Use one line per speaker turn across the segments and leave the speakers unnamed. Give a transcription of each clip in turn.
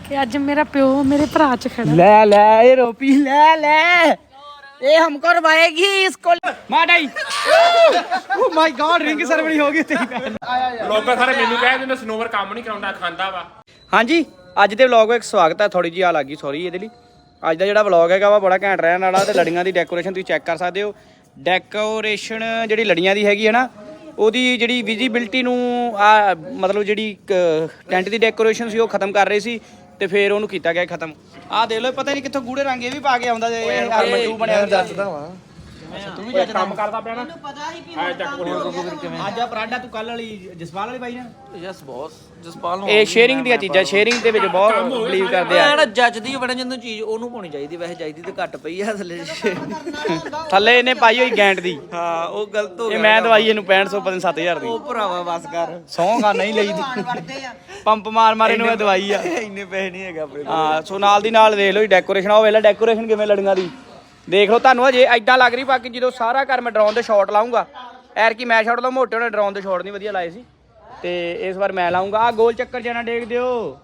कि अज मेरा प्यो मेरे भरा च खड़ा।
ले ले ये रोपी ले ले ये हमको रवाएगी इसको माडाई oh my god ring ceremony हो गई तेरी भैन
ਲੋਕ ਸਾਰੇ ਮੈਨੂੰ ਕਹਿ ਦਿੰਦੇ ਸਨੋਵਰ ਕੰਮ ਨਹੀਂ ਕਰਾਉਂਦਾ ਖਾਂਦਾ ਵਾ।
ਹਾਂਜੀ ਅੱਜ ਦੇ ਵਲੌਗ ਵਿੱਚ ਸਵਾਗਤ ਹੈ। ਥੋੜੀ ਜਿਹੀ ਆ ਲੱਗੀ ਸੌਰੀ ਇਹਦੇ ਲਈ। ਅੱਜ ਦਾ ਜਿਹੜਾ ਵਲੌਗ ਹੈਗਾ ਵਾ ਬੜਾ ਘੈਂਟ ਰਹਿਣ ਵਾਲਾ ਤੇ ਲੜੀਆਂ ਦੀ ਡੈਕੋਰੇਸ਼ਨ ਤੁਸੀਂ ਚੈੱਕ ਕਰ ਸਕਦੇ ਹੋ। ਡੈਕੋਰੇਸ਼ਨ ਜਿਹੜੀ ਲੜੀਆਂ ਦੀ ਹੈਗੀ ਹੈ ਨਾ ਉਹਦੀ ਜਿਹੜੀ ਵਿਜ਼ੀਬਿਲਟੀ ਨੂੰ ਆ ਮਤਲਬ ਜਿਹੜੀ ਟੈਂਟ ਦੀ ਡੈਕੋਰੇਸ਼ਨ ਸੀ ਉਹ ਖਤਮ ਕਰ ਰਹੇ ਸੀ ਤੇ ਫਿਰ ਉਹਨੂੰ ਕੀਤਾ ਗਿਆ ਖਤਮ। ਆਹ ਦੇਖ ਲਓ ਪਤਾ ਨਹੀਂ ਕਿੱਥੋਂ ਗੂੜੇ ਰੰਗ ਇਹ ਵੀ ਪਾ ਕੇ ਆਉਂਦਾ ਇਹ ਹਰਮਟੂ ਬਣਿਆ ਦੱਸਦਾ ਵਾ। ਤੂੰ ਵੀ ਜੱਜ
ਕੰਮ ਕਰਦਾ ਪਿਆ ਨਾ
ਮੈਨੂੰ ਪਤਾ ਹੀ ਵੀ
ਅੱਜ ਆ ਪਰਾਂਡਾ ਤੂੰ ਕੱਲ ਵਾਲੀ ਜਸਪਾਲ ਵਾਲੀ ਪਾਈ ਨਾ
ਯਸ ਬੌਸ ਜਸਪਾਲ ਨੂੰ
ਇਹ ਸ਼ੇਅਰਿੰਗ ਦੀਆਂ ਚੀਜ਼ਾਂ ਸ਼ੇਅਰਿੰਗ ਦੇ ਵਿੱਚ ਬਹੁਤ ਬਲੀਵ ਕਰਦੇ ਆ।
ਜਿਹੜਾ ਜੱਜਦੀ ਬੜਾ ਜਦੋਂ ਚੀਜ਼ ਉਹਨੂੰ ਪਾਉਣੀ ਚਾਹੀਦੀ ਵੈਸੇ ਚਾਹੀਦੀ ਤੇ ਘੱਟ ਪਈ ਆ ਥੱਲੇ
ਥੱਲੇ ਇਹਨੇ ਪਾਈ ਹੋਈ ਗੈਂਟ ਦੀ।
ਹਾਂ ਉਹ ਗਲਤ ਹੋ
ਇਹ ਮੈਂ ਦਵਾਈ ਇਹਨੂੰ 6500 ਪਤਾ 7000 ਦੀ।
ਉਹ ਭਰਾਵਾ ਬਸ ਕਰ
ਸੌਂਗਾ ਨਹੀਂ ਲਈ ਪੰਪ ਮਾਰ ਮਾਰ ਇਹਨੂੰ ਇਹ ਦਵਾਈ ਆ।
ਇੰਨੇ ਪੈਸੇ ਨਹੀਂ ਹੈਗਾ ਆਪਣੇ
ਹਾਂ ਸੋ ਨਾਲ ਦੀ ਨਾਲ ਦੇਖ ਲਓ ਡੈਕੋਰੇਸ਼ਨ ਉਹ ਵੇਲਾ ਡੈਕੋਰੇਸ਼ਨ ਕਿਵੇਂ ਲੜੀਆਂ ਦੀ ਦੇਖ ਲਓ। ਤੁਹਾਨੂੰ ਅਜੇ ਐਦਾਂ ਲੱਗ ਰਹੀ ਬਾਕੀ ਜਦੋਂ ਸਾਰਾ ਘਰ ਮੈਂ ਡਰਾਉਣ ਦੇ ਸ਼ਾਟ ਲਾਉਂਗਾ ਐਰ ਕੀ ਮੈਂ ਸ਼ਾਟ ਲਾ ਮੋਟੇ ਉਹਨੇ ਡਰਾਉਣ ਦੇ ਸ਼ਾਟ ਨਹੀਂ ਵਧੀਆ ਲਾਏ ਸੀ ਤੇ ਇਸ ਵਾਰ ਮੈਂ ਲਾਉਂਗਾ। ਆ ਗੋਲ ਚੱਕਰ ਜਾਣਾ ਡੇਕ ਦਿਓ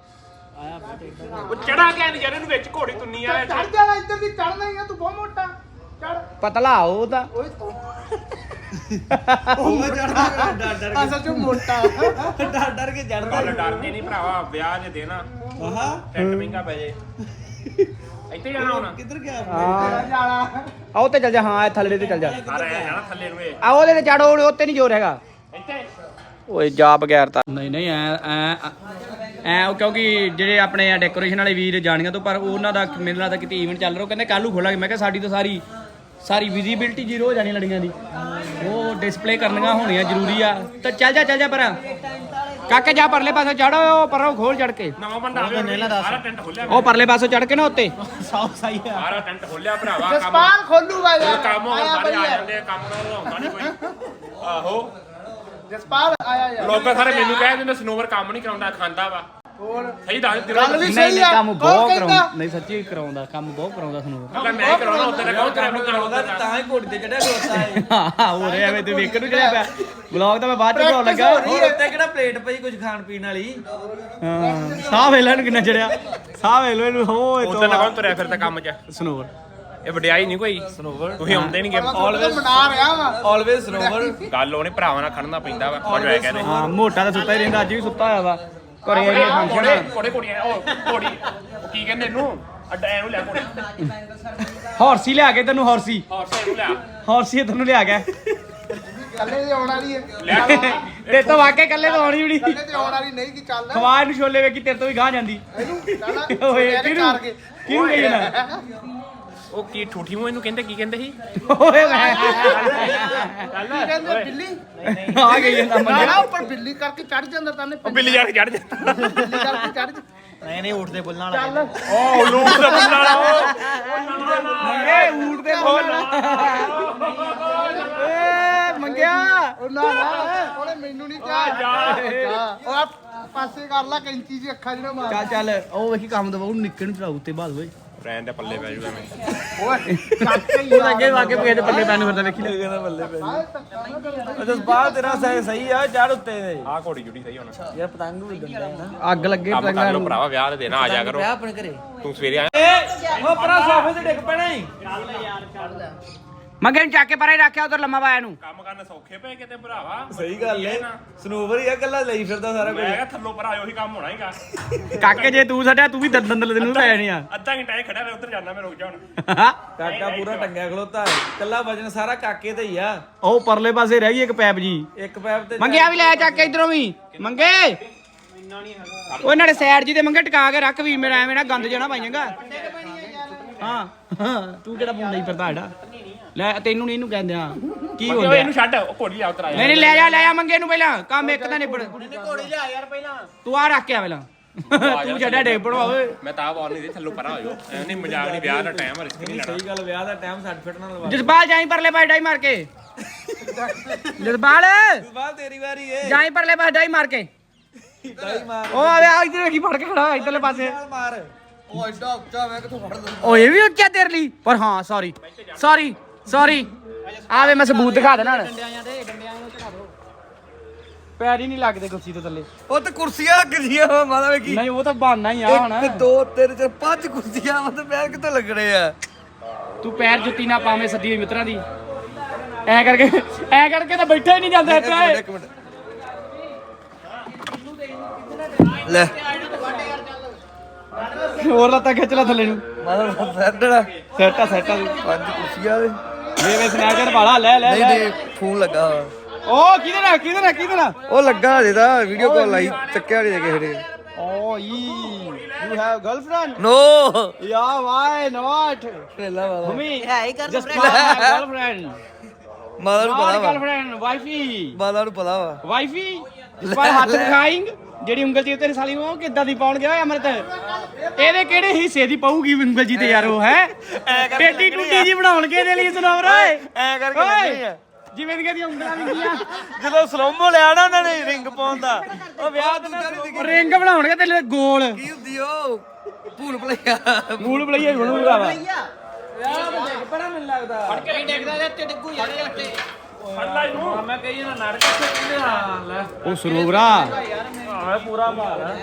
ਉਹ ਚੜਾ ਕੇ ਨਹੀਂ ਇਹਨੂੰ ਵਿੱਚ ਘੋੜੀ ਤੁੰਨੀ ਆ
ਚੜ ਜਾਣਾ ਇੱਧਰ ਦੀ ਚੜਨਾ ਹੀ ਆ ਤੂੰ ਬਹੁਤ ਮੋਟਾ ਚੜ
ਪਤਲਾ ਉਹ ਤਾਂ
ਓਏ ਤੂੰ
ਉਹ ਚੜਦਾ ਡਰ
ਅਸਲ ਚ ਮੋਟਾ
ਡਰ ਕੇ ਚੜਦਾ
ਗੱਲ ਡਰਦੀ ਨਹੀਂ ਭਰਾਵਾ ਵਿਆਹ ਜੇ ਦੇਣਾ
ਆਹਾ
ਟੈਂਟ ਮਹਿੰਗਾ ਪੈ ਜੇ ਇੱਥੇ ਜਾਣਾ ਹੁਣ
ਕਿੱਧਰ ਗਿਆ
ਜਾਣਾ
ਆ ਉੱਤੇ ਚੱਲ ਜਾ। ਹਾਂ ਥੱਲੇ ਤੇ ਚੱਲ ਜਾ।
ਸਾਰਾ ਐ ਜਾਣਾ ਥੱਲੇ ਨੂੰ ਇਹ
ਆ ਉਹਦੇ ਤੇ ਚੜੋ ਉੱਤੇ ਨਹੀਂ ਜ਼ੋਰ ਹੈਗਾ।
ਇੱਥੇ
ਓਏ ਜਾ ਬਗੈਰ ਤਾਂ ਨਹੀਂ ਨਹੀਂ ਐ ਉਹ ਕਿਉਂਕਿ ਜਿਹੜੇ ਆਪਣੇ ਡੈਕੋਰੇਸ਼ਨ ਵਾਲੇ ਵੀਰ ਜਾਣੀਆਂ ਤੋਂ ਪਰ ਉਹਨਾਂ ਦਾ ਮੇਰੇ ਨਾਲ ਤਾਂ ਕਿਤੇ ਇਵੈਂਟ ਚੱਲ ਰਿਹਾ ਕਹਿੰਦੇ ਕੱਲ ਨੂੰ ਖੋਲਾਂਗੇ। ਮੈਂ ਕਿਹਾ ਸਾਡੀ ਤਾਂ ਸਾਰੀ ਵਿਜ਼ੀਬਿਲਟੀ ਜ਼ੀਰੋ ਹੋ ਜਾਣੀ ਲੜੀਆਂ ਦੀ ਉਹ ਡਿਸਪਲੇ ਕਰਨੀਆਂ ਹੋਣੀਆਂ ਜ਼ਰੂਰੀ ਆ। ਤਾਂ ਚੱਲ ਜਾ ਪਰ ਕਾਕੇ ਜਾ ਪਰਲੇ ਪਾਸੇ ਚੜੋ ਪਰ ਉਹ ਖੋਲ ਚੜ ਕੇ
ਨਵਾਂ ਬੰਦਾ ਸਾਰਾ ਟੈਂਟ ਖੋਲਿਆ
ਉਹ ਪਰਲੇ ਪਾਸੇ ਚੜ ਕੇ ਨਾ ਉੱਤੇ
ਸਾਰਾ ਟੈਂਟ ਖੋਲਿਆ ਭਰਾਵਾ ਕੰਮ
ਜਸਪਾਲ ਖੋਲੂਗਾ ਯਾਰ
ਕੰਮ ਹੋਰ ਸਾਰੇ ਆ ਜਾਂਦੇ ਕੰਮ ਨਾਲ ਹੁੰਦਾ ਨਹੀਂ ਕੋਈ ਆਹੋ
ਜਸਪਾਲ ਆਇਆ ਯਾਰ
ਲੋਕ ਸਾਰੇ ਮੈਨੂੰ ਕਹਿ ਦਿੰਦੇ ਸਨੋਵਰ ਕੰਮ ਨਹੀਂ ਕਰਾਉਂਦਾ ਖਾਂਦਾ ਵਾ
ਹੋਰ
ਸਹੀ ਦੱਸ
ਗੱਲ ਵੀ
ਦਿਲ
ਸਹੀ ਆ
ਕੰਮ
ਕੌਣ
ਬਹੁਤ
ਕਹਿੰਦਾ?
ਕਰਾਉਂਦਾ ਨਹੀਂ ਸੱਚੀ ਕਰਾਉਂਦਾ ਕੰਮ ਬਹੁਤ ਕਰਾਉਂਦਾ ਤੁਹਾਨੂੰ
ਮੈਂ ਕਰਾਉਣਾ ਉੱਤੇ ਕੌਣ ਤੇਰਾ ਕਰਾਉਂਦਾ
ਤਾਂ ਹੀ ਘੋੜੀ ਤੇ ਚੜਿਆ ਖਲੋਤਾ ਹੈ
ਹਾਂ ਹੋ ਰਿਹਾ ਐਵੇਂ ਤੇ ਵੇਖਣ ਨੂੰ ਚੜਿਆ ਪਿਆ ਵਲੌਗ ਤਾਂ ਮੈਂ ਬਾਅਦ ਚ ਬਣਾਉਣ ਲੱਗਾ।
ਹੋਰ ਉੱਤੇ ਕਿਹੜਾ ਪਲੇਟ ਪਈ ਕੁਝ ਖਾਣ ਪੀਣ ਵਾਲੀ
ਹਾਂ ਸਾਹ ਵੇਖ ਨੂੰ ਕਿੰਨਾ ਚੜਿਆ ਸਾਹ ਵੇਖ ਲੋ ਇਹਨੂੰ ਹੋਏ
ਉੱਤੇ ਨਾ ਕੌਣ ਤੁਰਿਆ ਫਿਰਦਾ ਕੰਮ 'ਚ
ਸਨੋਵਰ
ਇਹ ਵਡਿਆਈ ਨਹੀਂ ਕੋਈ ਤੁਸੀਂ ਆਉਂਦੇ ਨਹੀਂ
ਆਲਵੇਜ਼ ਮਨਾ ਰਿਹਾ ਵਾ
ਆਲਵੇਜ਼ ਸਨੋਵਰ
ਗੱਲ ਉਹਨੇ ਭਰਾਵਾਂ ਨਾਲ ਖੜਨਾ ਪੈਂਦਾ ਵਾ ਮੈਨੂੰ ਐ ਕਹਿੰਦੇ
ਹਾਂ ਮੋਟਾ ਤਾਂ ਸੁੱਤਾ ਹੀ ਰਹਿੰਦਾ ਅੱਜ ਵੀ ਸੁੱਤਾ ਹੋਇਆ ਵਾ ਘਰੇ ਇਹ ਫੰਕਸ਼ਨ
ਕੋੜੀਆਂ ਉਹ ਕੋੜੀ ਉਹ ਕੀ ਕਹਿੰਦੇ ਇਹਨੂੰ ਅੱਡਾ ਇਹਨੂੰ ਲੈ ਕੋੜੀ
ਹੌਰਸੀ ਲਿਆ ਕੇ ਤੈਨੂੰ ਹੌਰਸੀ
ਇਹਨੂੰ ਲਿਆ
ਹੌਰਸੀ ਤੈਨੂੰ ਲਿਆ ਗਿਆ
ਕੱਲੇ ਦੀ ਆਉਣ ਵਾਲੀ ਹੈ
ਲਿਆ
ਤੇ ਤਾਂ ਵਾਕਿਆ ਕੱਲੇ ਤੋਂ ਆਉਣੀ ਵੀ ਨਹੀਂ
ਕੱਲੇ ਦੀ ਆਉਣ ਵਾਲੀ ਨਹੀਂ ਕੀ ਚੱਲ
ਖਵਾ ਇਹਨੂੰ ਛੋਲੇ ਵੇਖੀ ਤੇਰੇ ਤੋਂ ਵੀ ਗਾਂ ਜਾਂਦੀ
ਇਹਨੂੰ ਚੱਲ
ਓਏ
ਇਹਨੇ
ਕਿਹਨੂੰ
ਚਾਰ ਕੇ
ਕਿਹਨੂੰ ਕਹੀ ਨਾ
ਉਹ ਕੀ ਠੂਠੀ ਮੂੰਹ ਇਹਨੂੰ ਕਹਿੰਦੇ ਕੀ ਕਹਿੰਦੇ ਸੀ
ਓਏ ਮੈਂ
ਕੀ ਕਹਿੰਦੇ ਬਿੱਲੀ
ਆ ਗਈ ਜਾਂਦਾ
ਨਾ
ਮੰਜਾ
ਨਾ ਉੱਪਰ ਬਿੱਲੀ ਕਰਕੇ ਚੜ ਜਾਂਦਾ ਤਾਂ ਨੇ
ਉਹ ਬਿੱਲੀ ਜਾ ਕੇ ਚੜ ਜਾ
ਬਿੱਲੀ ਕਰਕੇ ਚੜ
ਨਹੀਂ ਉੱਠਦੇ ਬੁੱਲਣ ਵਾਲਾ
ਚੱਲ
ਉਹ ਲੂਟ ਦਾ ਬੰਦਾ ਵਾਲਾ
ਮੰਗੇ ਊਠ ਦੇ ਬੋਲ ਏ ਮੰਗਿਆ
ਉਹ ਨਾ ਉਹਨੇ ਮੈਨੂੰ ਨਹੀਂ ਕਿਹਾ ਉਹ ਆ ਪਾਸੇ ਕਰ ਲਾ ਕੈਂਚੀ ਜੀ ਅੱਖਾਂ ਜਿਹੜਾ ਮਾਰ
ਚੱਲ ਉਹ ਵੇਖੀ ਕੰਮ ਦਵਾ ਉਹਨੂੰ ਨਿੱਕੇ ਨੂੰ ਚੜਾਉ ਉੱਤੇ ਬਾਦ ਓਏ
ਰਹਿਣ ਦੇ ਪੱਲੇ ਪੈ ਜੂਗਾ ਮੈਂ
ਓਏ
ਉਹ ਅੱਗੇ ਵਾਕੇ ਪੇ ਦੇ ਪੱਲੇ ਪੈਣ ਨੂੰ ਫਿਰਦਾ ਵੇਖੀ ਲੈ
ਕਹਿੰਦਾ ਬੱਲੇ ਪੈ ਜਸਪਾਲ ਤੇਰਾ ਸਹੀ ਆ ਚੜ ਉੱਤੇ ਦੇ
ਆਹ ਘੋੜੀ ਜੁੜੀ ਸਹੀ ਹੁਣ
ਯਾਰ ਪਤੰਗ ਵੀ ਉਡਣ ਨਾ
ਅੱਗ ਲੱਗੇ
ਕੰਮ ਕਰ
ਪਤੰਗਾਂ
ਲਓ
ਨੂੰ
ਭਰਾਵਾ ਵਿਆਹ ਦੇ ਦੇਣਾ ਆ ਜਾ ਕਰੋ
ਵਿਆਹ ਆਪਣੇ ਘਰੇ
ਤੂੰ ਸਵੇਰੇ ਆਇਆ
ਉਹ ਪਰਾਂ ਸੋਫੇ ਤੇ ਡਿੱਗ ਪੈਣਾ ਹੀ
ਮੰਗੇ ਨੂੰ ਚੱਕ ਕੇ ਪਰੇ ਰੱਖਿਆ ਉਧਰ ਲੰਮਾ ਪਾਇਆ ਨੂੰ
ਕੰਮ ਕਰਨ ਸੌਖੇ ਪਏ ਕਿਤੇ ਭਰਾਵਾ
ਸਹੀ ਗੱਲ ਏ ਸਨੋਵਰ ਹੀ ਆ ਗੱਲਾਂ ਲਈ ਫਿਰਦਾ ਸਾਰਾ
ਮੈਂ ਕਿਹਾ ਥੱਲੋਂ ਪਰ ਆਇਓ ਹੀ ਕੰਮ ਹੋਣਾ ਹੀਗਾ
ਕਾਕੇ ਜੇ ਤੂੰ ਛੱਡਿਆ ਤੂੰ ਵੀ ਦੰਦਲ ਤੈਨੂੰ ਤਾਂ ਆਇਆ ਨਹੀਂ ਆ
ਅੱਧਾ ਘੰਟਾ ਇਹ ਖੜਾ ਰਿਹਾ ਉੱਧਰ ਜਾਣਾ ਮੈਂ ਰੁਕ ਜਾ ਹੁਣ
ਕਾਕਾ ਪੂਰਾ ਟੰਗਿਆ ਖਲੋਤਾ ਕੱਲਾ ਵਜਨ ਸਾਰਾ ਕਾਕੇ ਤੇ ਹੀ ਆ
ਉਹ ਪਰਲੇ ਪਾਸੇ ਰਹਿ ਗਈ ਇੱਕ ਪੈਪ ਜੀ
ਇੱਕ ਪੈਪ ਤੇ
ਮੰਗਿਆ ਵੀ ਲੈ ਚੱਕ ਕੇ ਇਧਰੋਂ ਵੀ ਮੰਗੇ ਉਹ ਇਹਨਾਂ ਦੇ ਸਾਈਡ ਜੀ ਤੇ ਮੰਗੇ ਟਿਕਾ ਕੇ ਰੱਖ ਵੀ ਮੇਰਾ ਐਵੇਂ ਨਾ ਗੰਦ ਜਣਾ ਪਾਈਏਗਾ ਹਾਂ ਤੂੰ ਕਿਹੜਾ ਪੁੰਦਾ ਹੀ ਫਿਰਦਾ ਐਡਾ ਲੈ ਤੈਨੂੰ ਨਹੀਂ ਇਹਨੂੰ ਕਹਿੰਦੇ ਆ ਕੀ
ਓਏ
ਹੁੰਦਾ
ਇਹਨੂੰ ਛੱਡ ਉਹ ਘੋੜੀ ਲਿਆ ਉਤਰ ਆਇਆ
ਨਹੀਂ ਲੈ ਜਾ ਮੰਗੇ ਨੂੰ ਪਹਿਲਾਂ ਕੰਮ ਇੱਕ ਤਾਂ ਨਿਬੜ
ਘੋੜੀ ਲਿਆ ਯਾਰ ਪਹਿਲਾਂ
ਤੂੰ ਆ ਰੱਖ ਕੇ ਆ ਪਹਿਲਾਂ ਤੂੰ ਛੱਡਿਆ ਡੇਗ ਪੜਵਾ ਓਏ
ਮੈਂ ਤਾਂ ਆਪ ਨਹੀਂ ਥੱਲੋਂ ਪਰਾਂ ਹੋਇਓ ਐ ਨਹੀਂ ਮਜ਼ਾਕ ਨਹੀਂ ਵਿਆਹ ਦਾ ਟਾਈਮ ਰਿਸਕ ਨਹੀਂ ਲੈਣਾ
ਸਹੀ ਗੱਲ ਵਿਆਹ ਦਾ ਟਾਈਮ ਸਰਟੀਫਿਕੇਟ ਨਾਲ ਲਵਾ
ਜਸਪਾਲ ਜਾਈ ਪਰਲੇ ਪਾਸੇ ਡਾਈ ਮਾਰ ਕੇ ਜਸਪਾਲ
ਜਸਪਾਲ ਤੇਰੀ ਵਾਰੀ ਏ
ਜਾਈ ਪਰਲੇ ਪਾਸੇ ਡਾਈ ਮਾਰ ਕੇ
ਦਾਈ ਮਾਰ
ਉਹ ਆਵੇ ਆ ਇਧਰ ਵੇਖੀ ਫੜ ਕੇ ਖੜਾ ਇਧਰਲੇ ਪਾਸੇ
ਮਾਰ
ਉਹ ਐਡਾ ਉੱਚਾ ਮੈਂ ਕਿੱਥੋਂ ਫੜ ਲਵਾਂ
ਓ ਇਹ ਵੀ ਉੱਚਾ ਤੇਰੇ ਲਈ ਪਰ ਹਾਂ ਸੌਰੀ ਆਵੇ ਮੈਂ ਸਬੂਤ ਦਿਖਾ ਦੇਣਾ ਪੈਰ ਹੀ ਨਹੀਂ ਲੱਗਦੇ ਕੁਰਸੀ ਤੋਂ ਥੱਲੇ।
ਉਹ ਤੇ ਕੁਰਸੀਆਂ ਲੱਗਦੀਆਂ ਵਾ ਮਾਤਾ ਵੇਖੀ।
ਨਹੀਂ ਉਹ ਤਾਂ ਬਹਾਨਾ ਹੀ ਆ ਹੁਣ।
1 2 3 4 5 ਕੁਰਸੀਆਂ ਵਾ ਤੇ ਪੈਰ ਕਿੱਥੇ ਲੱਗਣੇ ਆ।
ਤੂੰ ਪੈਰ ਜੁੱਤੀ ਨਾ ਪਾਵੇਂ ਸੱਦੀ ਹੋਈ ਮਿੱਤਰਾਂ ਦੀ। ਐ ਕਰਕੇ ਤਾਂ ਬੈਠਾ ਹੀ ਨਹੀਂ ਜਾਂਦਾ ਇੱਥੇ।
ਇੱਕ ਮਿੰਟ ਲੈ
ਹੋਰ ਲੱਤਾਂ ਖਿੱਚ ਲੈ ਥੱਲੇ ਨੂੰ।
ਮਾਤਾ ਸੈੱਟੜਾ
ਸੈਟਾ
5 ਕੁਰਸੀਆਂ ਦੇ
ਵੇ ਸਨੈਚਰ ਵਾਲਾ ਲੈ
ਨਹੀਂ ਫੋਨ ਲੱਗਾ ਵਾ।
ਉਹ ਕਿਹਦੇ ਨਾਲ
ਉਹ ਲੱਗਾ ਹਜੇ ਤਾਂ ਵੀਡੀਓ ਕਾਲ ਲਾਈ ਚੱਕਿਆ ਨਹੀਂ ਕਿਸੇ ਨੇ।
Oh you have girlfriend?
No
yeah why ਨਾਟ
ਪਹਿਲਾ ਵਾਲਾ
ਮੰਮੀ ਹੈ ਹੀ ਗਰਲਫ੍ਰੈਂਡ
ਮਾਤਾ ਨੂੰ ਪਤਾ ਵਾ।
ਗਰਲਫ੍ਰੈਂਡ ਵਾਈਫੀ
ਮਾਤਾ ਨੂੰ ਪਤਾ ਵਾ।
ਵਾਈਫੀ ਪਰ ਹੱਥ ਦਿਖਾਇੰਗ ਜਿਹੜੀ ਉਂਗਲ ਜੀ ਤੇਰੀ ਸਾਲੀ ਉਹ ਕਿੱਦਾਂ ਦੀ ਪਾਉਣ ਗਿਆ ਅਮਰਤ? ਇਹਦੇ ਕਿਹੜੇ ਹਿੱਸੇ ਦੀ ਪਾਊਗੀ ਉਂਗਲ ਜੀ ਤੇ ਯਾਰ ਉਹ ਹੈ ਟੇਡੀ ਟੁੱਡੀ ਜੀ ਬਣਾਉਣਗੇ ਇਹਦੇ ਲਈ ਸੁਣਾਵਰ ਓਏ
ਐ ਕਰਕੇ ਲੱਗੇ ਆ
ਜਿਵੇਂ ਦੀਆਂ ਉਂਗਲਾਂ ਵਿੰਗੀਆਂ।
ਜਦੋਂ ਸਲੋਮੋ ਲਿਆ ਨਾ ਉਹਨਾਂ ਨੇ ਰਿੰਗ ਪਾਉਣ ਦਾ ਉਹ ਵਿਆਹ ਤੇ
ਰਿੰਗ ਬਣਾਉਣਗੇ ਤੇ ਗੋਲ
ਕੀ ਹੁੰਦੀ ਉਹ ਭੂਲ ਭੁਲਈਆ
ਮੂਲ ਬਲਈਆ ਹੀ ਬਣੂਗਾ ਵਾ।
ਬੜਾ ਮੈਨੂੰ ਲੱਗਦਾ
ਫੜ ਕੇ ਡੇਗਦਾ ਤੇ ਉੱਤੇ ਡਿੱਗੂ ਯਾਰ ਇਹ ਉੱਤੇ ਫੜ ਲੈ ਇਹਨੂੰ
ਮੈਂ ਕਹੀ ਨਾ ਨੜ ਕੇ ਕਿਹਦੇ ਹਾਲ ਲੈ
ਉਹ ਸਰੂਬਰਾ
ਹਾਂ ਪੂਰਾ ਭਾਰ ਆ।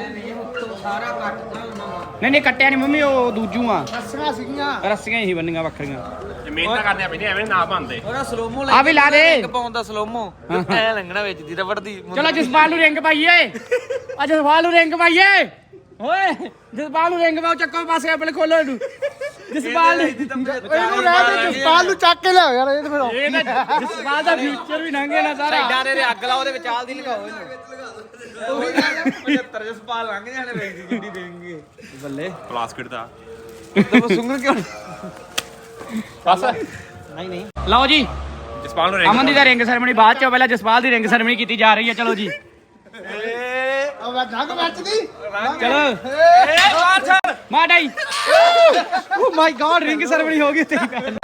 ਨਹੀਂ ਕੱਟਿਆ ਨਹੀਂ ਮੰਮੀ ਉਹ ਦੂਜੂ ਆ
ਰੱਸੀਆਂ ਸੀਗੀਆਂ।
ਰੱਸੀਆਂ ਹੀ ਬੰਨੀਆਂ ਵੱਖਰੀਆਂ।
ਜ਼ਮੀਨ ਤਾਂ ਕਰਦੇ ਪੈਂਦੇ ਐਵੇਂ ਨਾ ਬੰਦੇ
ਉਹਦਾ ਸਲੋਮੋ
ਆ ਵੀ ਲਾ ਦੇ।
ਰਿੰਗ ਪਾਉਣ ਦਾ ਸਲੋਮੋ ਐ ਲੰਗਣਾ ਵਿੱਚ ਦੀ ਰਬੜ ਦੀ।
ਚਲੋ ਜਸਪਾਲ ਨੂੰ ਰਿੰਗ ਪਾਈਏ। ਆ ਜਸਪਾਲ ਨੂੰ ਰਿੰਗ ਪਾਈਏ। ਓਏ ਜਸਪਾਲ ਨੂੰ ਰਿੰਗ ਪਾਓ ਚੱਕੋ ਪਾਸੇ ਆਪਣੇ ਖੋਲੋ ਇਹਨੂੰ। ਜਸਪਾਲ
ਇਹਨੂੰ ਰਹਿ ਦੇ ਜਸਪਾਲ ਨੂੰ ਚੱਕ ਕੇ ਲਿਆਓ ਯਾਰ ਇਹ ਫਿਰ
ਇਹ ਤਾਂ ਜਸਪਾਲ ਦਾ ਫਿਊਚਰ ਵੀ ਲੰਘੇ ਨਾ ਸਾਰਾ।
ਸਾਈਡਾਂ ਦੇ ਅੱਗ ਲਾਓ ਉਹਦੇ ਵਿਚਾਲ ਦੀ ਲਗਾਓ ਇਹਨੂੰ। 75 ਜਸਪਾਲ ਲੰਘ ਜਾਣੇ ਵੇਖ ਦੀ ਜਿਹੜੀ ਦੇਣਗੇ ਬੱਲੇ
ਪਲਾਸਟਿਕ ਦਾ
ਤੇ ਸੁੰਗਣ ਕਿਉਂ
ਬਸ
ਨਹੀਂ
ਲਓ ਜੀ
ਜਸਪਾਲ ਨੂੰ
ਅਮਨ ਦੀ ਤਾਂ ਰਿੰਗ ਸੈਰੇਮਨੀ ਬਾਅਦ ਚ ਪਹਿਲਾਂ ਜਸਪਾਲ ਦੀ ਰਿੰਗ ਸੈਰੇਮਨੀ ਕੀਤੀ ਜਾ ਰਹੀ ਹੈ। ਚਲੋ ਜੀ
ਉਹ ਨੰਗ ਮੱਚਦੀ
ਚਲੋ ਮਾਡਾਈ oh my god ring ceremony ਹੋ ਗਈ ਤੇਰੀ ਭੈਣ।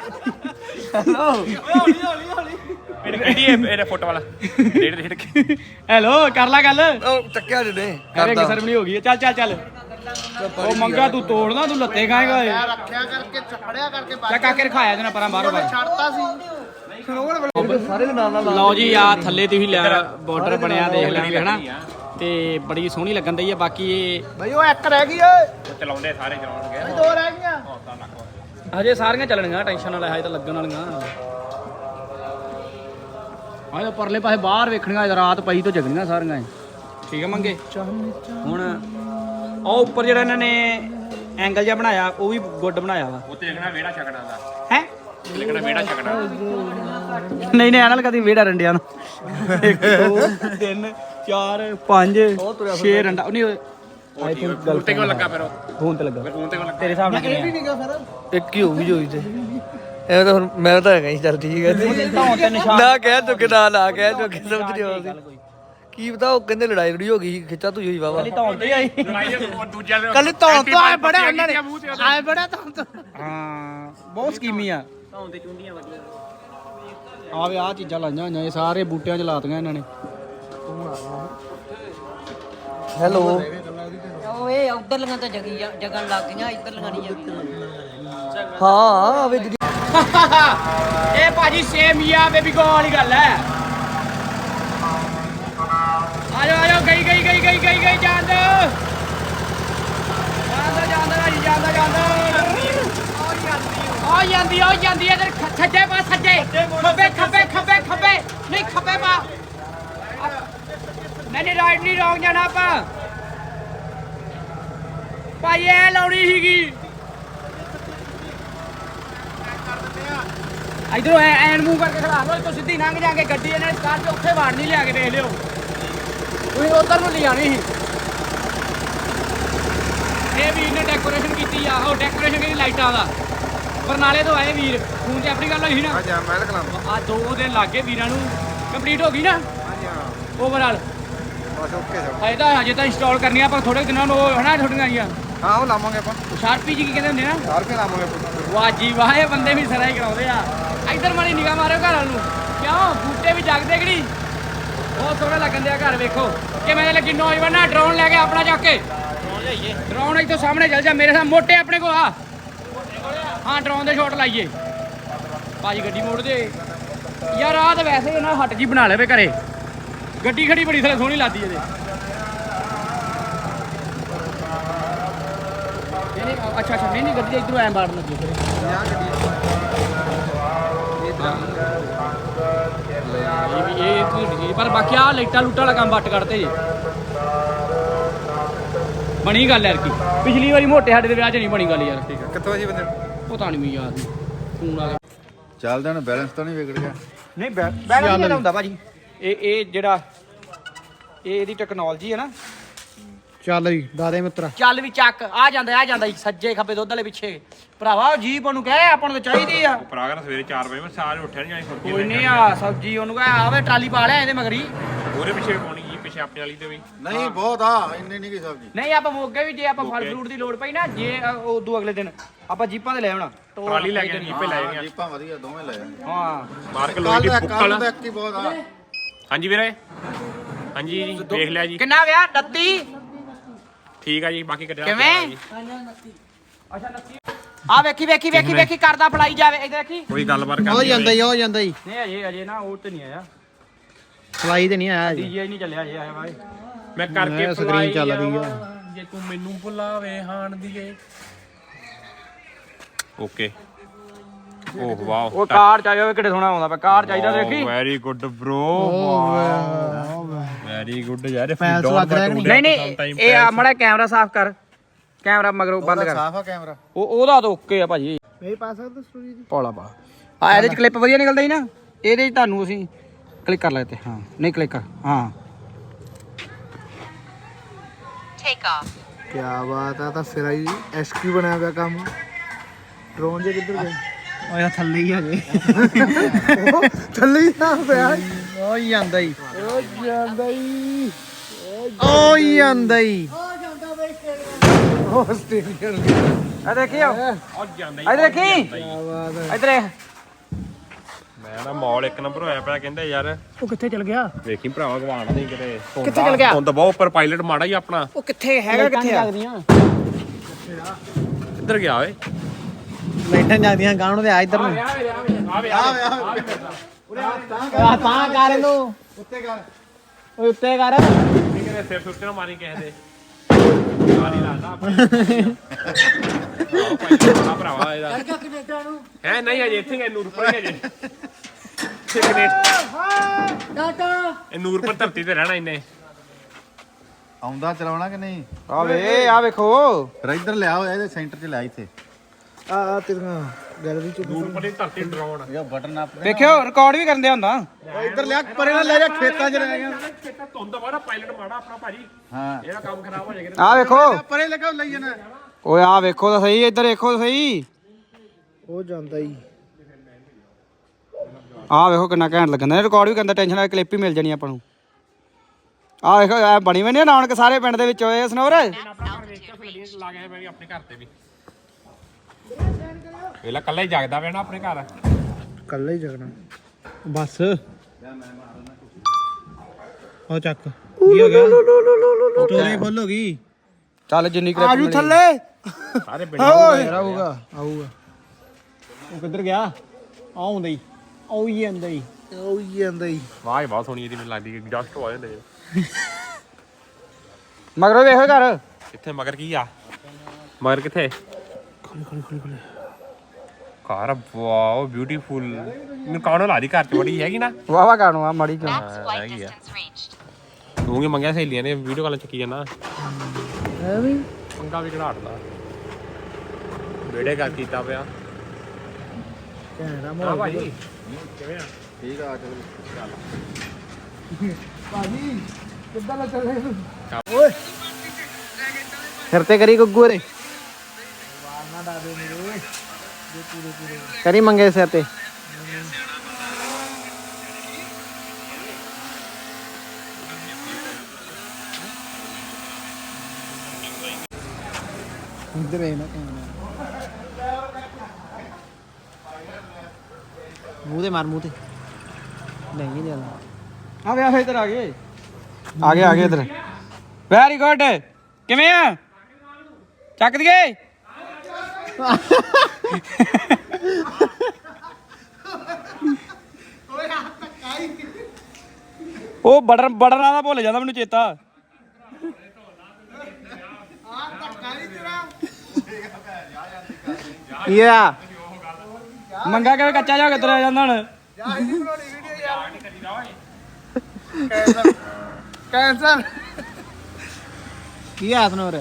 ਇਹਨੇ ਫੋਟੋ ਵਾਲਾ ਡੇਢ ਕੇ
ਹੈਲੋ ਕਰ ਲੈ ਗੱਲ।
ਉਹ ਚੱਕਿਆ ਜਿਹਨੇ
ਰਿੰਗ ਸੈਰੇਮਨੀ ਹੋ ਗਈ ਹੈ। ਚੱਲ ਉਹ ਮੰਗਾ ਤੂੰ ਤੋੜਨਾ ਤੂੰ ਲੱਤੇ ਖਾਏਗਾ ਓਏ।
ਰੱਖਿਆ ਕਰਕੇ ਚੱਪੜਿਆ ਕਰਕੇ
ਚੱਕ ਕਾਕੇ ਰਖਾਇਆ ਜਨਾ ਪਰਾਂ ਬਾਹਰੋਂ ਬਾਹਰ।
ਛੱਡਤਾ ਸੀ
ਸਾਰੇ ਦੇ ਨਾਲ ਨਾਲ
ਲਓ ਜੀ ਆ ਥੱਲੇ ਤੁਸੀਂ ਲੈ ਬਾਰਡਰ ਬਣਿਆ ਦੇਖ ਲੈਣਗੇ ਹਨਾ ਤੇ ਬੜੀ ਸੋਹਣੀ ਲੱਗਣ ਦਈ ਆ। ਬਾਕੀ ਇਹ
ਬਈ ਉਹ ਇੱਕ ਰਹਿ ਗਈ ਓਏ
ਚਲਾਉਂਦੇ ਸਾਰੇ ਚਲਾਉਣਗੇ
ਦੋ ਰਹਿ ਗਈਆਂ।
ਹਜੇ ਸਾਰੀਆਂ ਚੱਲਣੀਆਂ ਟੈਨਸ਼ਨ ਨਾਲ ਹਜੇ ਤਾਂ ਲੱਗਣ ਵਾਲੀਆਂ। ਆਹ ਪਰਲੇ ਪਾਸੇ ਬਾਹਰ ਵੇਖਣੀਆਂ ਰਾਤ ਪਈ ਤੋਂ ਜਗਣੀਆਂ ਸਾਰੀਆਂ। ਠੀਕ ਆ ਮੰਗੇ ਹੁਣ ਉਹ ਉੱਪਰ ਜਿਹੜਾ ਇਹਨਾਂ ਨੇ ਐਂਗਲ ਜਿਹਾ ਬਣਾਇਆ ਉਹ ਵੀ ਗੁੱਡ ਬਣਾਇਆ ਵਾ।
ਉੱਤੇ ਲਿਖਣਾ ਵਿਹੜਾ ਛਕਣਾ ਦਾ
ਹੈ
ਲਿਖਣਾ ਵਿਹੜਾ ਛਕਣਾ
ਨਹੀਂ ਐ ਨਾਲ ਕਦੀ ਵੇੜਾ ਰੰਡਿਆਂ ਨੂੰ 1 2 3 4 5 6 ਰੰਡਾ ਨਹੀਂ ਆਈ ਥਿੰਕ ਗੱਲ
ਉੱਤੇ ਕਿਉਂ ਲੱਗਾ ਫਿਰ ਉਹ
ਫੋਨ ਤੇ ਲੱਗਾ
ਫੋਨ ਤੇ ਕਿਉਂ ਲੱਗਾ
ਤੇਰੇ ਹਿਸਾਬ ਨਾਲ ਕਿੰਨੇ
ਠੀਕ ਆ ਫਿਰ
ਇੱਕ ਹੀ ਹੋਊਗੀ ਜੋਈ ਤੇ ਐਵੇਂ ਤਾਂ ਹੁਣ ਮੈਂ ਤਾਂ ਹੈਗਾ ਹੀ ਚੱਲ ਠੀਕ ਹੈ
ਧੌਣ ਤੇ ਨਿਸ਼ਾਨ
ਨਾ ਕਹਿ ਚੁੱਕੇ ਨਾ ਕਹਿ ਚੁੱਕੇ ਸਮਝ ਨਹੀਂ ਆਉਂਦੀ ਕੀ ਪਤਾ ਉਹ ਕਹਿੰਦੇ ਲੜਾਈ ਲੜੀ ਹੋ ਗਈ ਖਿੱਚਾ ਤੂੰ ਹੋਈ ਵਾਵਾ
ਧੌਣ ਤੇ ਆਈ
ਲੜਾਈ ਉਹ ਦੂਜਿਆਂ ਦੇ
ਕੱਲ ਧੌਣ ਤੋਂ ਆਏ ਬੜਾ ਉਹਨਾਂ ਨੇ ਆਏ ਬੜਾ ਧੌਣ ਤੋਂ
ਹਾਂ ਬਹੁਤ ਸਕੀਮੀ ਆ ਧੌਣ ਤੇ ਚੁੰਡੀਆਂ ਵਧੀਆ ਆਵੇ ਆ ਚੀਜ਼ਾਂ ਲਾਈਆਂ ਹੋਈਆਂ ਇਹ ਸਾਰੇ ਬੂਟਿਆਂ 'ਚ ਲਾਤੀਆਂ ਇਹਨਾਂ ਨੇ।
ਹੈਲੋ
ਓਏ ਉਧਰ ਲੰਗਾ ਤਾਂ ਜਗਣ ਲੱਗ ਗਈਆਂ ਇੱਧਰ ਲੰਗਾ ਨਹੀਂ ਜਗੀਆਂ।
ਹਾਂ ਆਵੇ ਦੀਦੀ
ਇਹ ਭਾਜੀ ਸੇਮ ਹੀ ਆ ਬੇਬੀ ਗੋ ਵਾਲੀ ਗੱਲ ਹੈ। ਆਜੋ ਗਈ ਜਾਂਦਾ ਆ ਜਾਂਦੀ ਇਧਰ ਸੱਜੇ ਪਾ ਸੱਜੇ ਖੱਬੇ ਨਹੀਂ ਖੱਬੇ ਪਾ ਨਹੀਂ ਰਾਈਟ ਨਹੀਂ ਰੋਂਗ ਜਾਣਾ ਆਪਾਂ ਭਾਈ ਇਹ ਲਾਉਣੀ ਸੀਗੀ ਇਧਰੋਂ ਐਨ ਮੂੰਹ ਕਰਕੇ ਖੜਾ ਲੋ ਇੱਥੋਂ ਸਿੱਧੀ ਲੰਘ ਜਾਗੇ ਗੱਡੀ ਇਹਨਾਂ ਨੇ ਕਾਰ 'ਚ ਉੱਥੇ ਵਾੜ ਨਹੀਂ ਲਿਆ ਕੇ ਦੇਖ ਲਿਓ ਤੁਸੀਂ ਉਧਰ ਨੂੰ ਲਿਆਣੀ ਸੀ। ਇਹ ਵੀਰ ਨੇ ਡੈਕੋਰੇਸ਼ਨ ਕੀਤੀ ਆ ਉਹ ਡੈਕੋਰੇਸ਼ਨ ਕੀਤੀ ਲਾਈਟਾਂ ਦਾ ਬਰਨਾਲੇ ਤੋਂ ਆਏ ਵੀਰ ਫੋਨ ਤੇ ਆਪਣੀ ਗੱਲ ਹੋਈ ਸੀ ਨਾ।
ਹਾਂਜੀ ਮੈਂ ਲਿਖਣਾ
ਆ 2 ਦਿਨ ਲੱਗੇ ਵੀਰਾਂ ਨੂੰ ਕੰਪਲੀਟ ਹੋ ਗਈ ਨਾ।
ਹਾਂਜੀ ਹਾਂ
ਓਵਰਆਲ
ਬਸ ਓਕੇ
ਹਜੇ ਤਾਂ ਇੰਸਟਾਲ ਕਰਨੀਆਂ ਪਰ ਥੋੜੇ ਦਿਨਾਂ ਨੂੰ ਉਹ ਹਨਾ ਥੋੜੀਆਂ ਆਈਆਂ
ਹਾਂ ਉਹ ਲਾਵਾਂਗੇ ਆਪਾਂ
ਸ਼ਾਰਪੀ ਜੀ ਕੀ ਕਹਿੰਦੇ ਹੁੰਦੇ ਨਾ
4 ਰੁਪਏ ਲਾਵਾਂਗੇ
ਵਾਹ ਜੀ ਵਾਹ ਇਹ ਬੰਦੇ ਵੀ ਸਰਾ ਹੀ ਕਰਾਉਂਦੇ ਆ। ਇੱਧਰ ਮਾੜੀ ਨਿਗਾਹ ਮਾਰਿਓ ਘਰ ਵੱਲ ਨੂੰ ਕਿਉਂ ਬੂਟੇ ਵੀ ਜਗਦੇ ਕਿਹੜੀ ਬਹੁਤ ਸੋਹਣੇ ਲੱਗਣ ਦੇ ਆ ਘਰ ਵੇਖੋ ਕਿਵੇਂ ਲੱਗੀ ਨੌਜਵਾਨ ਨਾ ਡਰੋਨ ਲੈ ਕੇ ਆਪਣਾ ਚੱਕ ਕੇ ਡਰੋਨ ਇੱਥੋਂ ਸਾਹਮਣੇ ਚੱਲ ਜਾ ਮੇਰੇ ਸਾਹ ਮੋਟੇ ਆਪਣੇ ਕੋਲ ਆ ਹਾਂ ਡਰੋਨ ਦੇ ਸ਼ਾਟ ਲਾਈਏ ਭਾਜੀ ਗੱਡੀ ਮੋੜ ਦੇ ਯਾਰ ਆਹ ਤਾਂ ਵੈਸੇ ਇਹਨਾਂ ਹੱਟ ਜੀ ਬਣਾ ਲਵੇ ਘਰੇ ਗੱਡੀ ਖੜੀ ਬੜੀ ਥਲੇ ਸੋਹਣੀ ਲੱਗਦੀ ਇਹਦੇ ਨਹੀਂ ਅੱਛਾ ਨਹੀਂ ਗੱਡੀ ਇਧਰੋਂ ਐਂ ਬਾੜ ਲੱਗੀ ਫਿਰ ਇਹ ਪਰ ਬਾਕੀ ਆ ਲਾਈਟਾਂ ਲੂਟਾਂ ਵਾਲਾ ਕੰਮ ਵੱਟ ਕੱਢਤੇ ਜੀ ਬਣੀ ਗੱਲ ਯਾਰ ਕੀ ਪਿਛਲੀ ਵਾਰੀ ਮੋਟੇ ਸਾਡੇ ਦੇ ਵਿਆਹ 'ਚ ਨਹੀਂ ਬਣੀ ਗੱਲ ਯਾਰ ਠੀਕ ਹੈ
ਕਿੱਥੋਂ ਜੀ ਬੰਦੇ
ਪਤਾ ਨਹੀਂ ਮੈਨੂੰ ਯਾਦ ਨਹੀਂ ਫੋਨ ਆ ਗਿਆ
ਚੱਲਦਾ ਨਾ ਬੈਲੈਂਸ ਤਾਂ ਨਹੀਂ ਵਿਗੜ ਗਿਆ
ਨਹੀਂ ਬੈਲੈਂਸ ਨਹੀਂ ਹੁੰਦਾ ਭਾਜੀ ਇਹ ਜਿਹੜਾ ਇਹਦੀ ਟੈਕਨੋਲੋਜੀ ਹੈ ਨਾ
ਚੱਲ ਜੀ ਦਾਦੇ ਮਿੱਤਰਾ
ਚੱਲ ਵੀ ਚੱਕ ਆ ਜਾਂਦਾ ਜੀ ਸੱਜੇ ਖੱਬੇ ਦੁੱਧ ਵਾਲੇ ਪਿੱਛੇ ਭਰਾਵਾ ਜੀਪ ਉਹਨੂੰ ਕਹੇ ਆਪਾਂ ਨੂੰ ਤਾਂ ਚਾਹੀਦੀ ਆ
ਭਰਾ ਸਵੇਰੇ 4 ਵਜੇ ਮੈਂ ਸਾਰੇ ਉੱਠਿਆ ਨਹੀਂ ਜਾਣੀ
ਕੋਈ ਨਹੀਂ ਆ ਸਬਜੀ ਉਹਨੂੰ ਕਹੇ ਆਵੇ ਟਰਾਲੀ ਪਾ ਲਿਆ ਇਹਦੇ ਮਗਰੀ
ਉਹਦੇ ਪਿੱਛੇ ਪਾਉਣੀ ਜੀ ਪਿੱਛੇ ਆਪਣੇ ਵਾਲੀ ਤੇ ਵੀ
ਨਹੀਂ ਬਹੁਤ ਆ ਇੰਨੇ ਨਹੀਂ ਕੀ ਸਬਜ਼ੀ
ਨਹੀਂ ਆਪਾਂ ਮੋਗੇ ਵੀ ਜੇ ਆਪਾਂ ਫਲ ਫਰੂਟ ਦੀ ਲੋੜ ਪਈ ਨਾ ਜੇ ਉਦੋਂ ਅਗਲੇ ਦਿਨ ਆਪਾਂ ਜੀਪਾਂ ਤੇ ਲੈ ਆਉਣਾ
ਟਰਾਲੀ ਲੈ ਕੇ ਜੀਪੇ ਲੈ ਜਾਣੀਆਂ
ਜੀਪਾਂ ਵਧੀਆ ਦੋਵੇਂ ਲੈ ਜਾਣਗੇ
ਹਾਂ
ਮਾਰ ਕੇ ਲੋਹੇ ਦੀ ਬੁੱਕਲ
ਕੱਲ ਇੱਕ ਹੀ ਬਹੁਤ ਆ
ਹਾਂਜੀ ਵੀਰੇ ਹਾਂਜੀ ਜੀ ਦੇਖ ਲਿਆ ਜੀ
ਕਿੰਨਾ ਗਿਆ 39
ਠੀਕ ਆ ਜੀ ਬਾਕੀ ਕੱਢਿਆ
ਕਿਵੇਂ ਆ ਵੇਖੀ ਕਰਦਾ ਫੜਾਈ ਜਾਵੇ ਇਹ ਦੇਖੀ
ਕੋਈ ਗੱਲਬਾਤ
ਹੋ
ਕਰਨੀ
ਜਾਂਦਾ ਹੀ ਹੋ ਜਾਂਦਾ ਹੀ
ਨਹੀਂ ਅਜੇ ਨਾ ਉਹ ਤੇ ਨਹੀਂ ਆਇਆ
ਫਲਾਈ ਤੇ ਨਹੀਂ ਆਇਆ ਜੀ
ਡੀਜੇ ਨਹੀਂ ਚੱਲਿਆ ਅਜੇ ਆਇਆ ਬਾਈ
ਮੈਂ ਕਰਕੇ
ਮੈਂ ਸਕਰੀਨ ਚੱਲ ਰਹੀ ਆ
ਜੇ ਤੂੰ ਮੈਨੂੰ ਭੁਲਾਵੇ ਹਾਣ ਦੀਏ ਓਕੇ ਓਹ ਵਾਓ
ਉਹ ਕਾਰ ਚਾਹੀਦਾ ਹੋਵੇ ਕਿੱਡੇ ਸੋਹਣਾ ਆਉਂਦਾ ਪਿਆ ਕਾਰ ਚਾਹੀਦਾ ਦੇਖੀ
very good bro very good ਯਾਰ
ਪੈਲਸ ਲੱਗ ਰਿਹਾ ਕਿ
ਨਹੀਂ ਇਹ ਆ ਮੜਾ ਕੈਮਰਾ ਸਾਫ਼ ਕਰ ਕੈਮਰਾ ਮਗਰੋਂ ਬੰਦ ਕਰ
ਸਾਫ ਆ ਕੈਮਰਾ
ਉਹਦਾ ਤਾਂ ਓਕੇ ਆ ਭਾਜੀ
ਨਹੀਂ ਪਾ ਸਕਦਾ ਸਟੋਰੀ ਦੀ
ਪੌਲਾ ਪਾ ਆ ਇਹਦੇ ਚ ਕਲਿੱਪ ਵਧੀਆ ਨਿਕਲਦਾ ਹੀ ਨਾ ਇਹਦੇ ਚ ਤੁਹਾਨੂੰ ਅਸੀਂ ਕਲਿੱਕ ਕਰ ਲੈਤੇ ਹਾਂ ਨਹੀਂ ਕਲਿੱਕ ਕਰ ਹਾਂ
ਕੀ ਬਾਤ ਆ ਤਾਂ ਸਿਰਾ ਹੀ ਐਸਕਿਊ ਬਣਿਆ ਪਿਆ ਕੰਮ ਡਰੋਨ ਜੇ ਕਿੱਧਰ ਗਿਆ ਓਏ ਥੱਲੇ ਹੀ ਆ ਜੇ ਥੱਲੇ ਹੀ ਆ ਪਿਆ ਓ ਜਾਂਦਾ ਹੀ ਉਹ ਸਟੇਡੀਅਮ
ਆ ਦੇਖਿਓ
ਉਹ ਜਾਂਦਾ
ਆ ਦੇਖੀ ਇਧਰ
ਮੈਂ ਨਾ ਮਾਲ ਇੱਕ ਨੰਬਰ ਹੋਇਆ ਪਿਆ ਕਹਿੰਦਾ ਯਾਰ
ਉਹ ਕਿੱਥੇ ਚਲ ਗਿਆ
ਵੇਖੀ ਭਰਾਵਾ ਗਵਾਣਾ ਨਹੀਂ ਕਿਤੇ
ਕਿੱਥੇ ਚਲ ਗਿਆ
ਹੁਣ ਤਾਂ ਬਹੁਤ ਉੱਪਰ ਪਾਇਲਟ ਮਾੜਾ ਹੀ ਆਪਣਾ
ਉਹ ਕਿੱਥੇ ਹੈਗਾ ਕਿੱਥੇ ਆ
ਕਿੱਧਰ ਗਿਆ ਓਏ
ਲਾਈਟਾਂ ਜਾਂਦੀਆਂ ਗਾਂ ਨੂੰ ਤੇ ਆ ਇੱਧਰ ਨੂੰ
ਆਵੇ
ਆ ਤਾਂ ਕਰ ਇਹਨੂੰ ਉੱਤੇ ਕਰ ਓਏ ਉੱਤੇ ਕਰ
ਨਹੀਂ ਕਿਤੇ ਸਿਰ ਸੁੱਤੇ ਨਾ ਮਾਰੀ ਕਿਸੇ ਦੇ ਮਾਰੀ ਲਾਦਾ ਆ ਭਰਾਵਾ ਇਹਦਾ ਹੈ ਨਹੀਂ ਅਜੇ ਇੱਥੇ ਗਏ ਨੂਰਪੁਰ ਹੀ ਅਜੇ ਇਹ ਨੂਰਪੁਰ ਧਰਤੀ ਤੇ ਰਹਿਣਾ ਇਹਨੇ
ਆਉਂਦਾ ਚਲਾਉਣਾ ਕਿ ਨਹੀਂ
ਆ ਵੇਖੋ
ਇੱਧਰ ਲਿਆ ਹੋਇਆ ਇਹਦੇ ਸੈਂਟਰ 'ਚ ਲਿਆ ਇੱਥੇ
ਆ ਤੇਰੀਆਂ ਗੈਲਰੀ ਚ
ਨੂਰਪੁਰ ਦੀ ਧਰਤੀ ਡਰਾਉਣ
ਇਹ ਬਟਨ ਆਪ
ਵੇਖਿਓ ਰਿਕਾਰਡ ਵੀ ਕਰਨ ਦੇ ਹੁੰਦਾ
ਇੱਧਰ ਲਿਆ ਪਰੇ ਨਾਲ ਲੈ ਜਾ ਖੇਤਾਂ 'ਚ ਰਹਿ ਗਿਆ
ਖੇਤਾਂ ਧੁੰਦ ਵਾਲਾ ਪਾਇਲਟ ਮਾੜਾ ਆਪਣਾ ਭਾਜੀ
ਹਾਂ
ਇਹਦਾ ਕੰਮ ਖਰਾਬ ਹੋ ਜਾਏਗਾ
ਆ ਵੇਖੋ
ਪਰੇ ਲਗਾ ਲਈ ਜਾਣਾ
ਓਏ ਆ ਵੇਖੋ ਤਾਂ ਸਹੀ ਇੱਧਰ ਦੇਖੋ ਤਾਂ ਸਹੀ
ਉਹ ਜਾਂਦਾ ਹੀ
ਆ ਵੇਖੋ ਕਿੰਨਾ ਘੈਂਟ ਲੱਗਦਾ ਰਿਕਾਰਡ ਵੀ ਕਰਦਾ ਟੈਨਸ਼ਨ ਨਾਲ ਕਲਿੱਪ ਹੀ ਮਿਲ ਜਾਣੀ ਆਪਾਂ ਨੂੰ ਆ ਵੇਖੋ ਐ ਬਣੀ ਬਣੀ ਰੌਣਕ ਸਾਰੇ ਪਿੰਡ ਦੇ ਵਿੱਚ ਹੋਏ ਸਨੋਰ
ਲਾ ਗਿਆ ਮੈਂ ਵੀ ਆਪਣੇ ਘਰ ਤੇ ਵੀ ਵੇਲਾ ਕੱਲਾ ਹੀ ਜਾਗਦਾ ਪਿਆ ਨਾ ਆਪਣੇ ਘਰ
ਕੱਲਾ ਹੀ ਜਗਣਾ ਬਸ ਉਹ ਚੱਕ ਕੀ ਹੋ ਗਿਆ ਸਟੋਰੀ ਫੁੱਲ ਹੋ ਗਈ
ਚੱਲ ਜਿੰਨੀ ਕਲਿੱਪ
ਆਜੂ ਥੱਲੇ
ਸਾਰੇ ਪਿੰਡ
ਆਊਗਾ ਉਹ ਕਿੱਧਰ ਗਿਆ ਆਉਂਦਾ ਹੀ ਆਉਂਦਾ ਹੀ
ਵਾਹ ਬਹੁਤ ਸੋਹਣੀ ਇਹਦੀ ਮੈਨੂੰ ਲੱਗਦੀ ਐਗਜ਼ਾਸਟ ਹੋ ਜਾਂਦੇ
ਮਗਰੋਂ ਵੇਖੋ ਘਰ
ਕਿੱਥੇ ਮਗਰ ਕੀ ਆ ਮਗਰ ਕਿੱਥੇ ਖੋਲੀ ਕਾਰ ਵਾਓ ਬਿਊਟੀਫੁਲ ਮੈਨੂੰ ਕੌਣ ਲਾ ਦੀ ਘਰ ਚ ਬੜੀ ਹੈਗੀ ਨਾ
ਵਾਵਾ ਕਾਣੋ ਆ ਮਾੜੀ ਕਿਉਂ
ਹੈਗੀ ਆ ਤੂੰ ਕੀ ਮੰਗਿਆ ਸਹੇਲੀਆਂ ਨੇ ਵੀਡੀਓ ਕਾਲ ਚੱਕੀ ਜਾਂਦਾ
ਐਵੇਂ
ਪੰਗਾ ਵੀ ਘੜਾੜਦਾ ਵੀਡੀਓ ਕਾਲ ਕੀਤਾ ਪਿਆ
ਕਹਿਣਾ
ਹਾਂ ਭਾਜੀ ਕਿਵੇਂ ਆ
ਠੀਕ ਆ ਚੱਲ
ਭਾਜੀ ਕਿੱਦਾਂ ਲੱਗ ਚੱਲੇ ਓਏ ਸਿਰ ਤੇ ਕਰੀ ਗੁੱਗੂ ਰੇ ਵਾਰਨਾ ਦਾਦੇ ਮੇਰੇ ਕਰੀ ਮੰਗੇ ਸਿਰ ਤੇ ਇੱਧਰ ਹੈ ਨਾ ਮੂੰਹ ਤੇ ਮਾਰ ਮੂੰਹ ਤੇ ਨਹੀਂ ਲਿਆ
ਆ ਵੇ ਇੱਧਰ ਆ ਗਏ ਇੱਧਰ ਵੈਰੀ ਗੁੱਡ ਕਿਵੇਂ ਆ ਚੱਕ ਦਈਏ ਉਹ ਬਟਨਾਂ ਦਾ ਭੁੱਲ ਜਾਂਦਾ ਮੈਨੂੰ ਚੇਤਾ।
ਯਾ
ਮੰਗਾ ਕਿਵੇਂ ਕੱਚਾ ਜਾ ਕੇ ਤੁਰਿਆ ਜਾਂਦਾ ਹੁਣ।
ਕੈਂਸਰ ਕੀ ਹਾਸ ਨੋਰ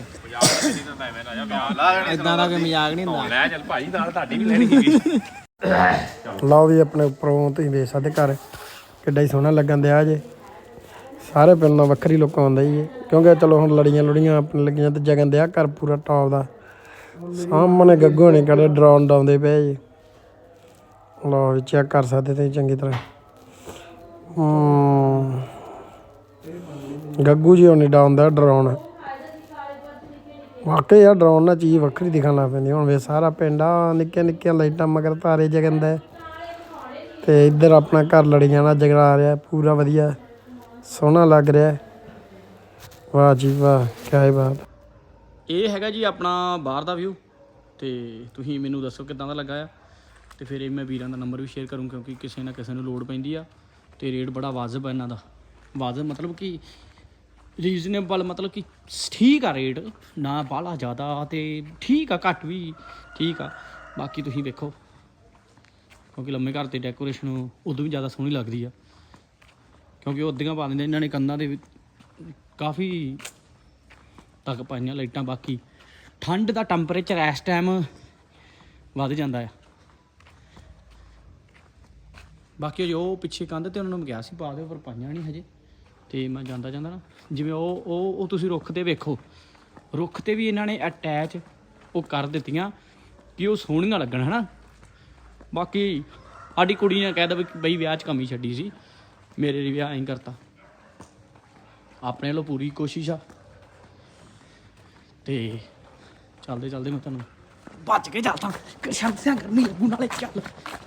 ਇਦਾਂ ਦਾ ਕੋਈ ਮਜ਼ਾਕ ਨਹੀਂ ਹੁੰਦਾ।
ਲੈ ਚੱਲ ਭਾਈ ਨਾਲ ਤੁਹਾਡੀ ਵੀ ਲੈਣੀ ਸੀਗੀ।
ਲਓ ਵੀ ਆਪਣੇ ਉੱਪਰੋਂ ਤੁਸੀਂ ਵੇਖ ਸਕਦੇ ਘਰ ਕਿੱਡਾ ਹੀ ਸੋਹਣਾ ਲੱਗਣ ਦਿਆ ਜੇ। ਸਾਰੇ ਪਿੰਡ ਨਾਲ ਵੱਖਰੀ ਲੁੱਕ ਆਉਂਦਾ ਜੀ ਕਿਉਂਕਿ ਚਲੋ ਹੁਣ ਲੜੀਆਂ ਆਪਣੇ ਲੱਗੀਆਂ ਤੇ ਜਗਨ ਦਿਆ ਘਰ ਪੂਰਾ ਟੌਪ ਦਾ। ਸਾਹਮਣੇ ਗੱਗੂ ਨੇ ਕਿਹੜੇ ਡਰਾਉਣ ਡਾਉਂਦੇ ਪਏ ਜੀ। ਲਓ ਵੀ ਚੈੱਕ ਕਰ ਸਕਦੇ ਤੁਸੀਂ ਚੰਗੀ ਤਰ੍ਹਾਂ। ਗੱਗੂ ਜੀ ਹੁਣ ਡਾਉਂਦਾ ਡਰਾਉਣ। ਵਾਕਈ ਯਾਰ ਡਰਾਉਣ ਨਾਲ ਚੀਜ਼ ਵੱਖਰੀ ਦਿਖਣ ਲੱਗ ਪੈਂਦੀ। ਹੁਣ ਵੇ ਸਾਰਾ ਪਿੰਡ ਆ ਨਿੱਕੀਆਂ ਨਿੱਕੀਆਂ ਲਾਈਟਾਂ ਮਗਰ ਤਾਰੇ ਜਗੰਦਾ ਤੇ ਇੱਧਰ ਆਪਣਾ ਘਰ ਲੜੀਆਂ ਨਾਲ ਜਗਾ ਰਿਹਾ ਪੂਰਾ ਵਧੀਆ ਸੋਹਣਾ ਲੱਗ ਰਿਹਾ। ਵਾਹ ਜੀ ਵਾਹ ਕਿਆ ਬਾਤ।
ਇਹ ਹੈਗਾ ਜੀ ਆਪਣਾ ਬਾਹਰ ਦਾ ਵਿਊ ਤੇ ਤੁਸੀਂ ਮੈਨੂੰ ਦੱਸੋ ਕਿੱਦਾਂ ਦਾ ਲੱਗਾ ਆ। ਤੇ ਫਿਰ ਇਹ ਮੈਂ ਵੀਰਾਂ ਦਾ ਨੰਬਰ ਵੀ ਸ਼ੇਅਰ ਕਰੂੰ ਕਿਉਂਕਿ ਕਿਸੇ ਨਾ ਕਿਸੇ ਨੂੰ ਲੋੜ ਪੈਂਦੀ ਆ। ਤੇ ਰੇਟ ਬੜਾ ਵਾਜਬ ਆ ਇਹਨਾਂ ਦਾ। ਵਾਜਬ ਮਤਲਬ ਕਿ ਰੀਜ਼ਨੇਬਲ ਮਤਲਬ ਕਿ ਠੀਕ ਆ ਰੇਟ ਨਾ ਬਾਹਲਾ ਜ਼ਿਆਦਾ ਤੇ ਠੀਕ ਆ ਘੱਟ ਵੀ ਠੀਕ ਆ। ਬਾਕੀ ਤੁਸੀਂ ਵੇਖੋ ਕਿਉਂਕਿ ਲੰਮੇ ਘਰ ਤੇ ਡੈਕੋਰੇਸ਼ਨ ਉਦੋਂ ਵੀ ਜ਼ਿਆਦਾ ਸੋਹਣੀ ਲੱਗਦੀ ਆ ਕਿਉਂਕਿ ਉਹ ਅੱਧੀਆਂ ਪਾ ਦਿੰਦੇ ਇਹਨਾਂ ਨੇ ਕੰਧਾਂ ਦੇ ਕਾਫੀ ਤੱਕ ਪਾਈਆਂ ਲਾਈਟਾਂ। ਬਾਕੀ ਠੰਡ ਦਾ ਟੈਂਪਰੇਚਰ ਇਸ ਟਾਈਮ ਵੱਧ ਜਾਂਦਾ ਆ। ਬਾਕੀ ਜੋ ਪਿੱਛੇ ਕੰਧ ਤੇ ਉਹਨਾਂ ਨੂੰ ਮੈਂ ਕਿਹਾ ਸੀ ਪਾ ਦਿਓ ਪਰ ਪਾਈਆਂ ਨਹੀਂ ਹਜੇ। ਤੇ ਮੈਂ ਜਾਂਦਾ ਨਾ ਜਿਵੇਂ ਉਹ ਤੁਸੀਂ ਰੁੱਖ ਤੇ ਵੇਖੋ ਰੁੱਖ ਤੇ ਵੀ ਇਹਨਾਂ ਨੇ ਅਟੈਚ ਉਹ ਕਰ ਦਿੱਤੀਆਂ ਕਿ ਉਹ ਸੋਹਣੀਆਂ ਲੱਗਣ ਹੈ ਨਾ। ਬਾਕੀ ਸਾਡੀ ਕੁੜੀ ਨੇ ਕਹਿ ਦਿੱਤਾ ਬਈ ਵਿਆਹ 'ਚ ਕਮੀ ਛੱਡੀ ਸੀ ਮੇਰੇ ਲਈ ਵਿਆਹ ਐਂ ਕਰਤਾ। ਆਪਣੇ ਵੱਲੋਂ ਪੂਰੀ ਕੋਸ਼ਿਸ਼ ਆ ਤੇ ਚੱਲਦੇ ਮੈਂ ਤੁਹਾਨੂੰ ਭੱਜ ਕੇ ਚੱਲਦਾ ਸ਼ਾਂਤੀਆਂ ਕਰਨੀ ਲੱਗੂ ਨਾਲੇ ਚੱਲ।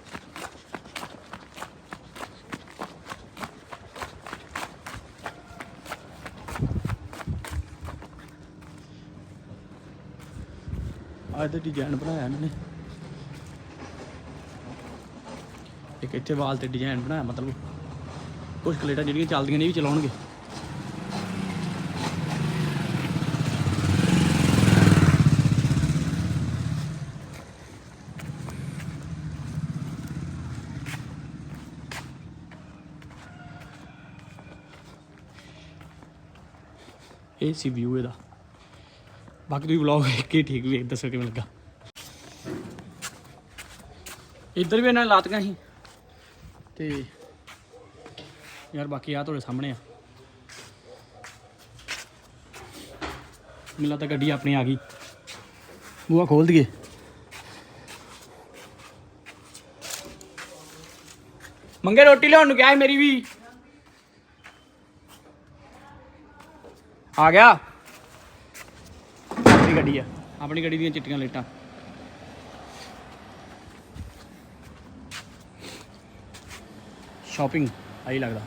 ਅੱਜ ਦਾ ਡਿਜ਼ਾਈਨ ਬਣਾਇਆ ਇਹਨਾਂ ਨੇ ਇੱਕ ਇੱਥੇ ਵਾਲ ਤੇ ਡਿਜ਼ਾਈਨ ਬਣਾਇਆ ਮਤਲਬ ਕੁਝ ਕਲੇਟਾਂ ਜਿਹੜੀਆਂ ਚੱਲਦੀਆਂ ਨੇ ਵੀ ਚਲਾਉਣਗੇ। ਇਹ ਸੀ ਵਿਊ ਇਹਦਾ। ਬਾਕੀ ਤੁਸੀਂ ਵਲੌਗ ਵੇਖ ਕੇ ਠੀਕ ਵੇਖ ਦੱਸੋ ਕਿਵੇਂ ਲੱਗਾ। ਇੱਧਰ ਵੀ ਇਹਨਾਂ ਨੇ ਲਾਤੀਆਂ ਸੀ ਤੇ ਯਾਰ ਬਾਕੀ ਆ ਤੁਹਾਡੇ ਸਾਹਮਣੇ ਆ। ਮੈਨੂੰ ਲੱਗਦਾ ਗੱਡੀ ਆਪਣੀ ਆ ਗਈ। ਬੂਹਾ ਖੋਲ ਦਈਏ। ਮੰਗੇ ਰੋਟੀ ਲਿਆਉਣ ਨੂੰ ਕਿਹਾ ਸੀ ਮੇਰੀ ਵੀ ਆ ਗਿਆ। ਆਪਣੀ ਗੱਡੀ ਆ ਆਪਣੀ ਗੱਡੀ ਦੀਆਂ ਚਿੱਟੀਆਂ ਲਾਈਟਾਂ। ਸ਼ਾਪਿੰਗ ਆਈ ਲੱਗਦਾ।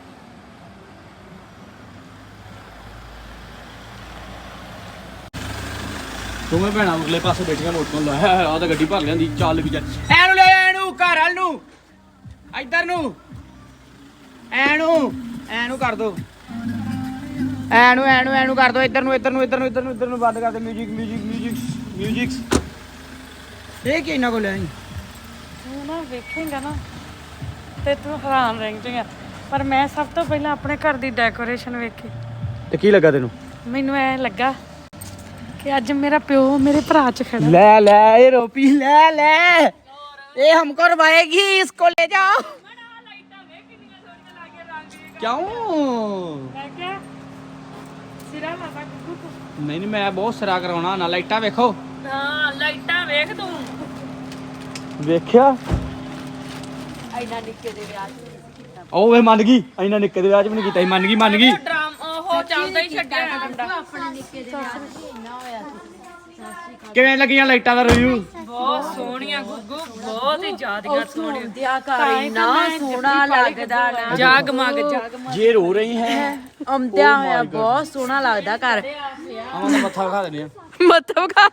ਦੋਵੇਂ ਭੈਣਾਂ ਅਗਲੇ ਪਾਸੇ ਬੈਠੀਆਂ ਲੋਟੋਂ ਲਾਇਆ ਆ ਤਾਂ ਗੱਡੀ ਭਰ ਲਿਆਂਦੀ ਚੱਲ ਵੀ ਜਾ ਐਨੂੰ ਲੈ ਐਨੂੰ ਘਰ ਵਾਲ ਨੂੰ ਇੱਧਰ ਨੂੰ ਐਨੂੰ ਕਰ ਦੋ ਐਨੂੰ ਕਰ ਦੋ ਇੱਧਰ ਨੂੰ ਬੰਦ ਕਰ ਦੇ। ਮਿਊਜ਼ਿਕ ਇਹ ਕੀ ਇਹਨਾਂ ਕੋਲ ਲਿਆਈ
ਤੂੰ ਨਾ ਵੇਖੇਂਗਾ ਨਾ ਤੇ ਤੂੰ ਹੈਰਾਨ ਰਹਿ ਜਾਏਗਾ। ਪਰ ਮੈਂ ਸਭ ਤੋਂ ਪਹਿਲਾਂ ਆਪਣੇ ਘਰ ਦੀ ਡੈਕੋਰੇਸ਼ਨ ਵੇਖੀ
ਤੇ ਕੀ ਲੱਗਾ ਤੈਨੂੰ?
ਮੈਨੂੰ ਐ ਲੱਗਾ ਕਿ ਅੱਜ ਮੇਰਾ ਪਿਓ ਮੇਰੇ ਭਰਾ ਚ ਖੜਾ।
ਲੈ ਇਹ ਰੋਪੀ ਲੈ ਇਹ ਹਮਕੋ ਰਵਾਏਗੀ इसको ले जाओ। ਕਿਉਂ
ਮੈਂ ਕਿਹਾ ਸਿਰਾ ਲਾਦਾ ਕੁੱਕੂ ਤੂੰ।
ਨਹੀਂ ਮੈਂ ਬਹੁਤ ਸਿਰਾ ਕਰਾਉਣਾ ਨਾ। ਲਾਈਟਾਂ ਵੇਖੋ।
ਹਾਂ ਲਾਈਟਾਂ ਵੇਖ ਤੂੰ।
ਵੇਖਿਆ
ਐਨਾ ਨਿੱਕੇ ਦੇ ਵਿਆਹ 'ਚ
ਉਹ ਵੇ ਮੰਨ ਗਈ। ਇੰਨਾ ਨਿੱਕੇ ਦੇ ਵਿਆਹ 'ਚ ਵੀ ਨਹੀਂ ਕੀਤਾ ਸੀ। ਮੰਨ ਗਈ
ਡਰਾਮ ਉਹ ਚੱਲਦਾ ਹੀ ਛੱਡਿਆ ਮੁੰਡਾ।
ਆਪਣੇ ਨਿੱਕੇ ਦੇ ਵਿਆਹ 'ਚ ਇੰਨਾ ਹੋਇਆ ਸੀ।
ਕਿਵੇਂ ਲੱਗੀਆਂ ਲਾਈਟਾਂ ਦਾ ਰਿਵਿਊ?
ਬਹੁਤ ਸੋਹਣੀਆਂ ਗੁੱਗੂ ਬਹੁਤ ਹੀ ਜ਼ਿਆਦਾ ਸੋਹਣੀਆਂ।
ਦਿਆ ਕਰ ਇੰਨਾ ਸੋਹਣਾ ਲੱਗਦਾ ਨਾ।
ਜਗਮਗ
ਜੇ ਰੋ ਰਹੀ ਹੈ
ਆਉਂਦਿਆ ਹੋਇਆ ਬਹੁਤ ਸੋਹਣਾ ਲੱਗਦਾ ਘਰ।
ਆਵਾਂ ਦਾ ਮੱਥਾ ਵਿਖਾ ਦਿੰਦੇ ਆ।
ਮਤਲਬ ਕਾ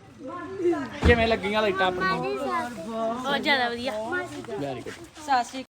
ਕਿਵੇਂ ਲੱਗੀਆਂ ਲਾਈਟਾਂ ਆਪਣੀਆਂ?
ਬਹੁਤ ਜ਼ਿਆਦਾ ਵਧੀਆ।
Very good.
ਸਤਿ ਸ਼੍ਰੀ